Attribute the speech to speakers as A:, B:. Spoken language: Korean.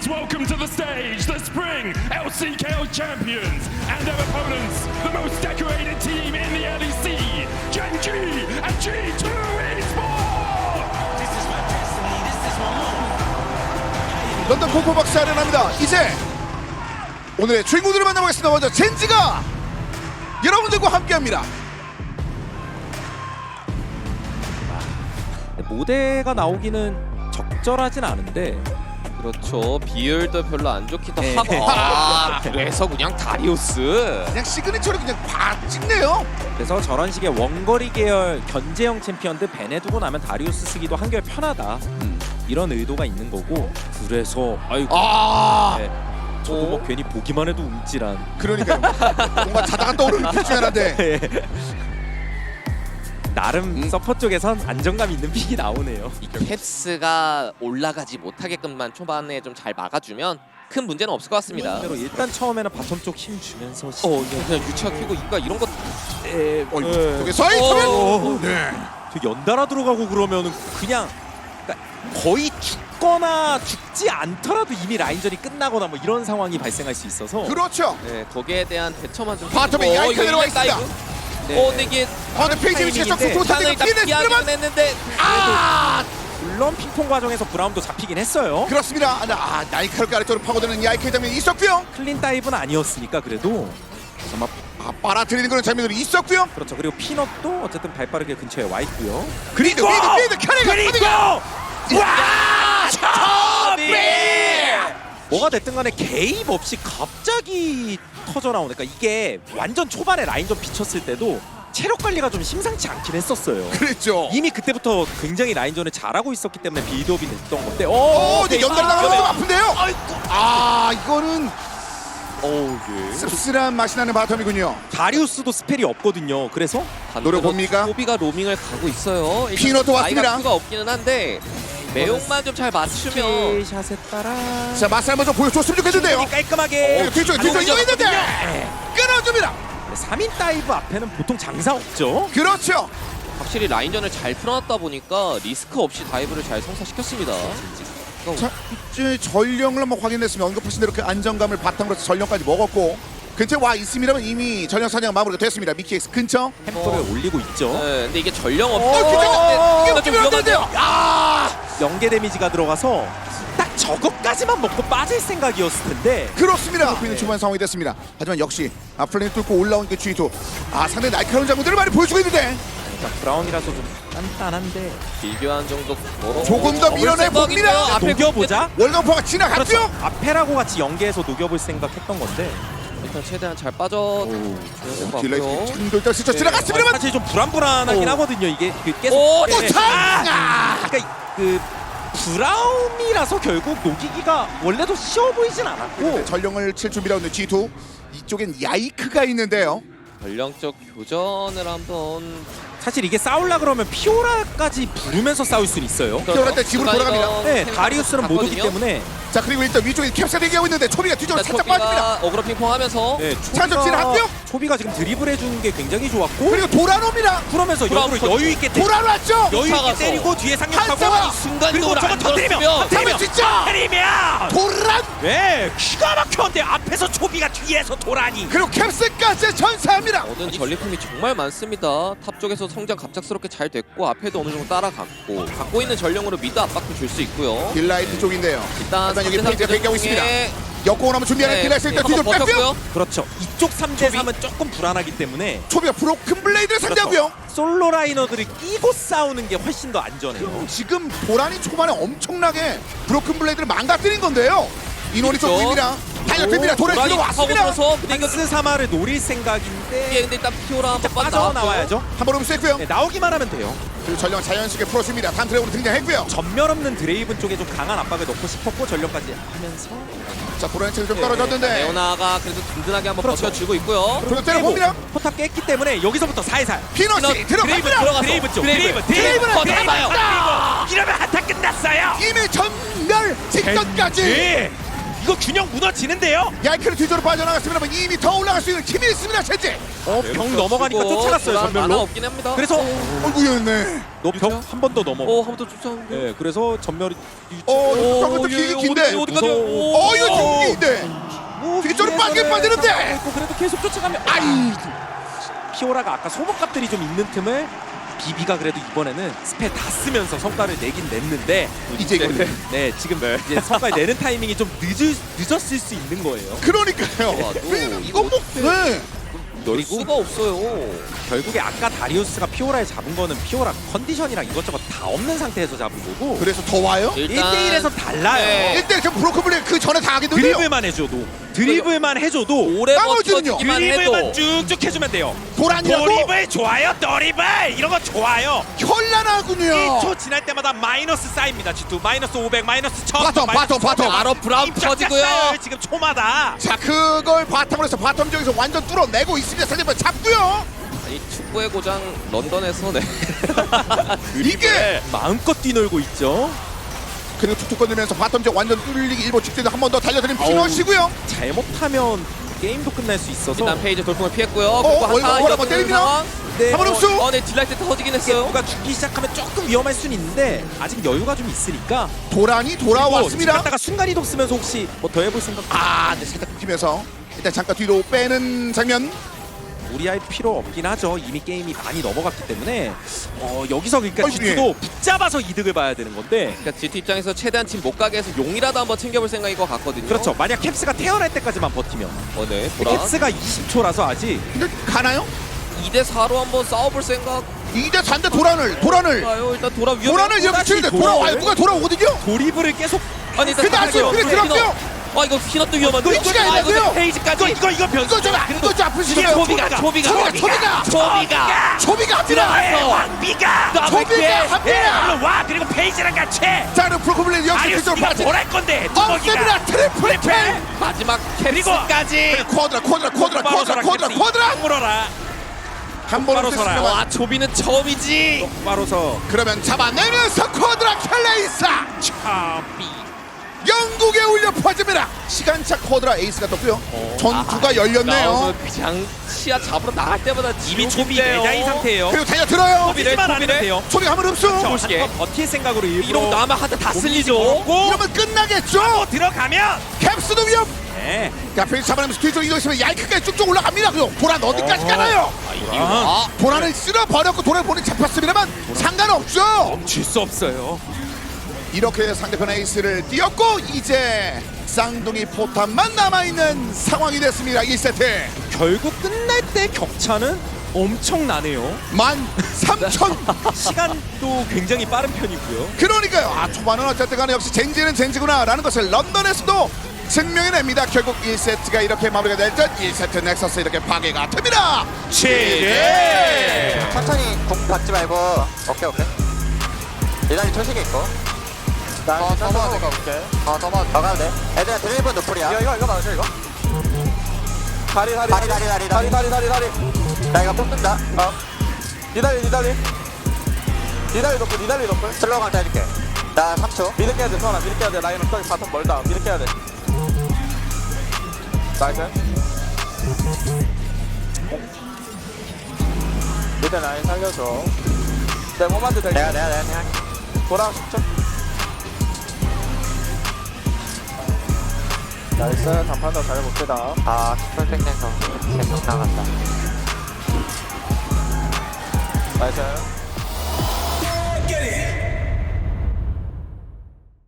A: welcome to the stage the Spring LCKO champions and their opponents, the most decorated team in the LEC, Gen G and G2 Esports!
B: This is my destiny. This is my moment.
C: 런던 콩코박스 아련합니다. 이제 오늘의 주인공들을 만나보겠습니다. 먼저 젠지가 여러분들과 함께합니다.
D: 모대가 나오기는 적절하진 않은데
E: 그렇죠. 비율도 별로 안 좋기도
D: 네.
E: 하고. 그래서 그냥 다리우스.
C: 그냥 시그니처를 그냥 팍 찍네요.
D: 그래서 저런 식의 원거리 계열 견제형 챔피언들 벤에 두고 나면 다리우스 쓰기도 한결 편하다 이런 의도가 있는 거고 그래서 아이고 네. 저도 뭐 괜히 보기만 해도 움찔한
C: 그러니까요. 뭔가 자다가 떠오르는 픽 중에 하나인데
D: 나름 서퍼 쪽에선 안정감 있는 픽이 나오네요.
E: 캡스가 올라가지 못하게끔만 초반에 좀 잘 막아주면 큰 문제는 없을 것 같습니다.
D: 대로 일단 처음에는 바텀 쪽 힘 주면서
E: 그냥 유치아 키고 이가 이런 것.
C: 여기서 이터면 네.
D: 되게 연달아 들어가고 그러면은 그냥 그러니까 거의 죽거나 죽지 않더라도 이미 라인전이 끝나거나 뭐 이런 상황이 발생할 수 있어서
C: 그렇죠.
E: 네, 거기에 대한 대처만 좀.
C: 바텀에 야이카 들어가 있습니다.
E: 근데 이게
C: 근데 페이지 위치에서
D: 타이밍인데
C: 도타대가
E: 일단
C: 피해냈습니다만
E: 피하긴 했는데.
D: 물론 핑퐁 과정에서 브라운도 잡히긴 했어요.
C: 그렇습니다. 나이카를 아래쪽으로 파고드는 야이카 장면이 있었고요.
D: 클린 다이브는 아니었으니까 그래도 아마
C: 빨아들이는 그런 장면들이 있었고요.
D: 그렇죠. 그리고 피넛도 어쨌든 발빠르게 근처에 와 있고요.
C: 그리고 미드 캐리가
D: 뭐가 됐든 간에 개입 없이 갑자기 터져 나오니까 이게 완전 초반에 라인전 비쳤을 때도 체력 관리가 좀 심상치 않긴 했었어요.
C: 그랬죠.
D: 이미 그때부터 굉장히 라인전을 잘하고 있었기 때문에 빌드업이 됐던 건데
C: 근데 연달아 나가면 좀 아픈데요. 이거는
D: 예.
C: 씁쓸한 맛이 나는 바텀이군요.
D: 다리우스도 스펠이 없거든요. 그래서
C: 노려봅니까?
E: 소비가 로밍을 가고 있어요. 일단
C: 피노도 왔습니다.
E: 나이가 수가 없기는 한데 매혹만 좀 잘 맞추면.
D: 샷에 따라
C: 자, 맛을 한번 좀 보여줬으면 좋겠는데요.
D: 깔끔하게
C: 뒤쪽에 이거 있는데 끊어줍니다.
D: 3인 다이브 앞에는 보통 장사 없죠.
C: 그렇죠.
E: 확실히 라인전을 잘 풀어놨다 보니까 리스크 없이 다이브를 잘 성사시켰습니다.
C: 자, 이제 전령을 한번 확인했으면 언급하신 대로 그 안정감을 바탕으로 해서 전령까지 먹었고 근처에 와 있습니다만 이미 전령 사냥 마무리가 됐습니다. 미키엑스 근처.
D: 템포를 올리고 있죠.
E: 네, 근데 이게 전령
C: 이게
E: 없는데 좀
C: 웃기는데요.
E: 위험한데요.
D: 연계 데미지가 들어가서 딱 저것까지만 먹고 빠질 생각이었을 텐데
C: 그렇습니다. 있는 초반 상황이 됐습니다. 하지만 역시 플레이 뚫고 올라온 그 G2. 상대 날카로운 장면들을 많이 보여주고 있는데
D: 브라운이라서 좀 단단한데
E: 비교한 정도 걸어.
C: 조금 더 밀어내 봅니다.
D: 녹여보자.
C: 월간포가 지나갔죠?
D: 그렇죠. 앞에라고 같이 연계해서 녹여볼 생각했던 건데
E: 일단 최대한 잘 빠져.
C: 딜레이 창돌다 스쳐 지나갔습니다만
D: 사실 좀 불안하긴 하거든요. 이게 계속
E: 오,
D: 네.
C: 참!
D: 그러니까 그 브라움이라서 결국 녹이기가 원래도 쉬워 보이진 않았고
C: 전령을 칠 준비라고 있는 G2. 이쪽엔 야이크가 있는데요.
E: 전령적 교전을 한번.
D: 사실 이게 싸우려 그러면 피오라까지 부르면서 싸울 수는 있어요.
C: 피오라 때 집으로 돌아갑니다.
D: 네, 다리우스는 못 오기
E: 갔거든요.
D: 때문에
C: 자, 그리고 일단 위쪽에 캡사 대기하고 있는데 초비가 뒤쪽으로 살짝 빠집니다.
E: 어그로 핑퐁하면서.
D: 네,
C: 차저 지나갔고요.
D: 초비가 지금 드리블 해주는 게 굉장히 좋았고
C: 그리고 돌아옵니다.
D: 그러면서
E: 브라움
D: 역으로 여유 있게
C: 돌아왔죠.
D: 여유 있게
E: 쫓아가서.
D: 때리고 뒤에 상륙하고
C: 한사가
D: 그리고 저거 터뜨리면
C: 잡을 수 있죠.
D: 터뜨리면
C: 도란
D: 네 기가 막혔는데 앞에서 초비가 뒤에서 도라니
C: 그리고 캡스까지 전사합니다.
E: 모든 전리품이 정말 많습니다. 탑 쪽에서 성장 갑작스럽게 잘 됐고 앞에도 어느 정도 따라갔고 갖고 있는 전령으로 미드 압박도 줄 수 있고요.
C: 딜라이트 쪽인데요.
E: 일단
C: 여기 페이지가 대기하고 있습니다.
E: 중에
C: 역공을 한번 준비하는
E: 네,
C: 딜라이트 일단 뒤로
E: 한번
C: 뺐고요.
E: 버텼고요.
D: 그렇죠 이쪽 3대3은 조금 불안하기 때문에
C: 초비가 브로큰 블레이드를 상대하고요.
D: 그렇죠. 솔로 라이너들이 끼고 싸우는 게 훨씬 더 안전해요.
C: 지금 도란이 초반에 엄청나게 브로큰 블레이드를 망가뜨린 건데요. 인원이 좀
E: 그렇죠.
C: 보입니다. 달려듭니다. 도란이
E: 도란이
C: 들어왔습니다.
E: 파고들어서 근데 이거
D: 스 사마를 노릴
E: 이게
D: 생각인데
E: 근데 일단 피오라 한번
D: 빠져나와야죠.
C: 한번 흡수했고요.
D: 네, 나오기만 하면 돼요.
C: 그리고 전령 자연스럽게 풀어줍니다. 다음 드래곤으로 등장했고요.
D: 전멸 없는 드레이븐 쪽에 좀 강한 압박을 넣고 싶었고 전력까지 하면서
C: 자, 도란이 체력이 좀 떨어졌는데
E: 레오나가 그래도 든든하게 한번
D: 그렇죠.
E: 버텨주고 있고요.
C: 그리고 때려봅니다.
D: 포탑 깼기 때문에 여기서부터 살살
C: 피너시
E: 드레이븐
C: 들어갑니다.
E: 들어가서
D: 드레이븐 쪽
E: 드레이븐
C: 드레이븐은
E: 걷어가봐요.
D: 이러면 한타 끝났어요.
C: 이미 전멸 직전까지.
D: 네. 이거 균형 무너지는데요.
C: 야이크는 뒤쪽으로 빠져나갔습니다만 이미 더 올라갈 수 있는 힘이 있습니다. 젠지.
D: 병 넘어가니까
E: 그리고
D: 쫓아갔어요
E: 도란 만화
D: 전멸로.
E: 없긴 합니다.
D: 그래서
C: 어이구였네.
D: 너병 한 번 더 넘어.
E: 한 번 더 쫓아오는데.
D: 네, 그래서 전멸이
C: 저것도 길이 긴데.
E: 어디까지?
C: 이거 길인데. 뒤쪽으로 빠지는데.
D: 그래도 계속 쫓아가면
C: 아이.
D: 피오라가 아까 소모값들이 좀 있는 틈을 비비가 그래도 이번에는 스펠 다 쓰면서 성과를 내긴 냈는데
C: 이제 이거네.
D: 네 지금 이제 성과를 내는 타이밍이 좀 늦었을 수 있는 거예요.
C: 그러니까요.
E: 와, 또
C: 왜냐면 이거 뭐 네.
E: 열 수가 없어요.
D: 결국에 아까 다리우스가 피오라를 잡은 거는 피오라 컨디션이랑 이것저것 다 없는 상태에서 잡은 거고
C: 그래서 더 와요?
D: 1대1에서 달라요.
E: 네.
C: 1대 저 브로커블리 그 전에 다 하겠는데요.
D: 드리블만 해줘도
E: 오래
C: 나머지는요?
E: 버텨주기만 해도
D: 드리블만 쭉쭉 해주면 돼요.
C: 도란이라고
D: 드리블 좋아요. 드리블 이런 거 좋아요.
C: 현란하군요.
D: 1초 지날 때마다 마이너스 쌓입니다. G2 마이너스 500 마이너스 1000
C: 바텀.
E: 바로 브라운 터지고요.
D: 지금 초마다.
C: 자 그걸 바텀으로 해서 바텀 지역에서 완전 뚫어내고 있습니다. 상대편 잡고요.
E: 이 축구의 고장 런던에서 네.
C: 이게
D: 마음껏 뛰놀고 있죠.
C: 그리고 툭툭 건들면서 바텀 지역 완전 뚫리기 일보 직전에 한 번 더 달려드린 피너시고요.
D: 잘못하면 게임도 끝날 수 있어서
E: 일단 페이지 돌풍을 피했고요.
C: 이거
E: 한타
C: 한번
E: 이어지는
C: 때립니다.
E: 상황.
D: 네,
C: 한번 흡수.
E: 네 딜라이트 터지긴 했어요.
D: 누가 죽기 시작하면 조금 위험할 수는 있는데 아직 여유가 좀 있으니까
C: 도란이 돌아왔습니다.
D: 갔다가 순간이동 쓰면서 혹시 뭐 더 해볼 생각?
C: 네, 살짝 끊기면서 일단 잠깐 뒤로 빼는 장면.
D: 무리할 필요 없긴 하죠. 이미 게임이 많이 넘어갔기 때문에 여기서 그러니까
C: 어이, 예.
D: G2도 붙잡아서 이득을 봐야 되는 건데
E: 그러니까 GT 입장에서 최대한 팀 못 가게 해서 용이라도 한번 챙겨볼 생각인 것 같거든요.
D: 그렇죠. 만약 캡스가 태어날 때까지만 버티면
E: 네. 도란.
D: 캡스가 20초라서 아직
C: 근데 가나요?
E: 2대 4로 한번 싸워볼 생각.
C: 2대 4인데 도란을
E: 가요. 일단 도란 위험.
C: 도란을 이렇게 치는데 돌아와요. 누가 돌아오거든요?
D: 도리블을 계속
E: 아니 일단
C: 근데 아직 그래 들어갔어요.
E: 이거 피넛도 위험한데.
C: 위치가 있는데요?
E: 페이지까지.
D: 이거 변수.
C: 이거 좀 아프시네요.
E: 초비가
C: 초비가 합니다.
D: 왕비가
C: 초비가 합니다.
D: 와 그리고 페이지랑 같이
C: 자 그럼 브로커블리 역시 그쪽으로
D: 아리우스가
C: 빠지.
D: 뭘할 건데
C: 없습니다. 트리플 킬.
E: 마지막 캡스까지.
C: 쿼드라
D: 물어라
C: 한 번은
D: 바로 서라.
C: 쓰시면
E: 와 초비는 처음이지.
D: 바로서
C: 그러면 잡아내면서 쿼드라 켈레이사
D: 차비
C: 영국에 울려 퍼집니다. 시간차 쿼드라 에이스가 떴고요. 전투가 열렸네요.
E: 그냥 시야 잡으러 나갈 때마다
D: 이미 초비
E: 지옥인데요.
D: 내자인 상태예요.
C: 그리고 달려들어요.
D: 초비만 안 해도 돼요.
C: 초비가 한번 흡수.
E: 보시게.
D: 버틸 생각으로 일부러
E: 이러고 나면 하드 다 쓸리죠.
D: 고
C: 이러면 끝나겠죠.
D: 들어가면
C: 캡스도 위험.
D: 네.
C: 자 페이지 잡아내면서 뒤쪽으로 이동했으면 얄크까지 쭉쭉 올라갑니다. 그리고 도란 어디까지 가나요? 도란을 쓸어버렸고 도란을 본인 잡혔습니다만 상관없죠.
D: 멈출 수 없어요.
C: 이렇게 상대편 에이스를 띄었고 이제 쌍둥이 포탄만 남아있는 상황이 됐습니다. 1세트
D: 결국 끝날 때 격차는 엄청나네요.
C: 13,000.
D: 시간도 굉장히 빠른 편이고요.
C: 그러니까요. 초반은 어쨌든 간에 역시 젠지는 젠지구나 라는 것을 런던에서도 증명해냅니다. 결국 1세트가 이렇게 마무리가 될 듯 1세트 넥서스 이렇게 파괴가 됩니다.
D: 네.
F: 천천히 공 받지 말고 오케이 이단이 초식에 있고 더 봐도 돼 오케이 더 가도 돼 애들아 드리블 노플이야 이거 맞아 이거 다리 나 이거 뽑는다 니달리 노플 슬로우 강타 해줄게 나 3초
G: 미드 깨야 돼, 서원아. 미드 깨야 돼. 라인 없다. 바텀 멀다. 미드 깨야 돼. 나이스. 미드 라인 살려줘. 내 몸한테 될
F: 내가
G: 돌아 10초. 나이스. 단판 더 잘해봅시다.
F: 아 킥플 땡겨서 계속 나간다
G: 나이스.